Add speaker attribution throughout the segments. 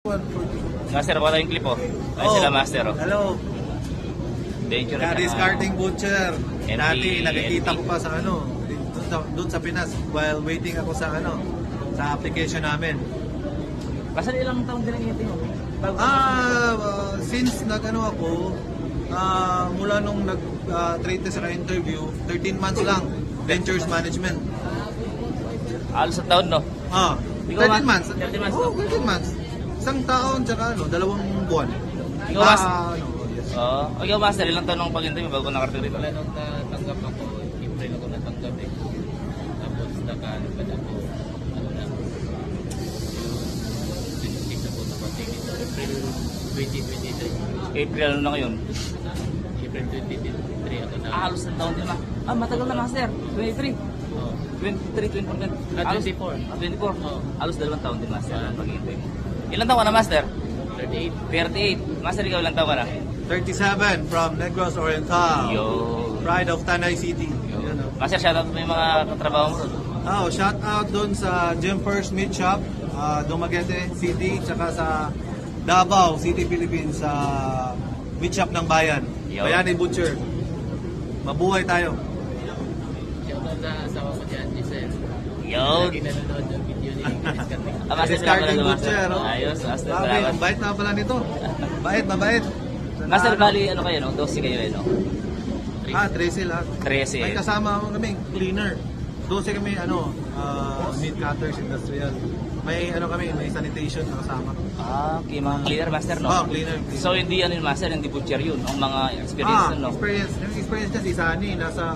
Speaker 1: Master, wala yung clip oh. Ay sila master oh.
Speaker 2: Hello.
Speaker 1: Danger
Speaker 2: Discarding butcher.
Speaker 1: MP,
Speaker 2: Dati nakikita
Speaker 1: MP.
Speaker 2: ko pa sa doon sa Pinas while waiting ako sa sa application namin.
Speaker 1: Kasi ilang taon din ang itin mo?
Speaker 2: Since ako, mula nung nag-trade test sa interview, 13 months lang, Ventures Management.
Speaker 1: Alos sa taon no?
Speaker 2: 13 months.
Speaker 1: 13 months.
Speaker 2: Oh, 13 months. Isang taon, tsaka 2 buwan.
Speaker 1: Ikaw, Master?
Speaker 2: Yes.
Speaker 1: Ikaw, Master, ilang taon nung pag-interview bago nakarating rito?
Speaker 3: Wala nung natanggap ako, April ako natanggap eh. Tapos nakaanipad ako, lang, 26 ako napating ito, April 2023.
Speaker 1: April ano na ngayon?
Speaker 3: April 2023 ako na.
Speaker 1: Alos na taon din na. Matagal na, Master. 23.
Speaker 3: Oh.
Speaker 1: 23, 24.
Speaker 3: 24.
Speaker 1: 24.
Speaker 3: Oo.
Speaker 1: Alos 2 taon din, Master, ang pag-interview mo. Ilang taon ka na, Master?
Speaker 3: 38.
Speaker 1: 38. Master, ikaw ilang taon ka na?
Speaker 2: 37 from Negros Oriental.
Speaker 1: Yo.
Speaker 2: Pride of Tanay City. Yun,
Speaker 1: Master, shoutout mo yung mga katrabaho mo.
Speaker 2: shout out doon sa Gym First Meat Shop, Dumaguete City, tsaka sa Davao City, Philippines, sa meat shop ng Bayan.
Speaker 1: Yo.
Speaker 2: Bayani Butcher. Mabuhay tayo.
Speaker 3: Shoutout sa asawa ko dyan, Giselle.
Speaker 1: Yo.
Speaker 3: Lagi nanonood ng video ni Chris Carmen.
Speaker 1: Master,
Speaker 2: Discarding
Speaker 1: salamat,
Speaker 2: Butcher.
Speaker 1: Ayos, Master,
Speaker 2: Grabe,
Speaker 1: salamat.
Speaker 2: ang bait na pala nito. Mabait.
Speaker 1: Master, bali, ano kayo, no? 12 kayo, no?
Speaker 2: 13 lahat.
Speaker 1: 13.
Speaker 2: May kasama kami, cleaner. 12 kami, meat cutters, industrial. May may sanitation na kasama.
Speaker 1: Okay, mga cleaner, Master, no?
Speaker 2: Cleaner.
Speaker 1: So, hindi ano yun, Master, hindi butcher yun. Ang mga experience, no?
Speaker 2: Experience. Yung experience niya si Sunny, nasa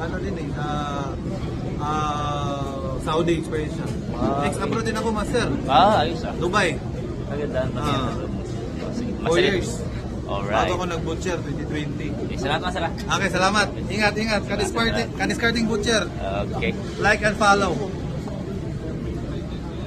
Speaker 2: Saudi experience siya.
Speaker 1: Okay.
Speaker 2: Ex-abroad din ako, master.
Speaker 1: Ayos ah.
Speaker 2: Dubai.
Speaker 1: Maganda. Sige,
Speaker 2: 4 years.
Speaker 1: Alright.
Speaker 2: Bago ako nag-butcher, 2020.
Speaker 1: Salamat, Master.
Speaker 2: Okay, salamat. Ingat. Kaniscarding butcher.
Speaker 1: Okay.
Speaker 2: Like and follow.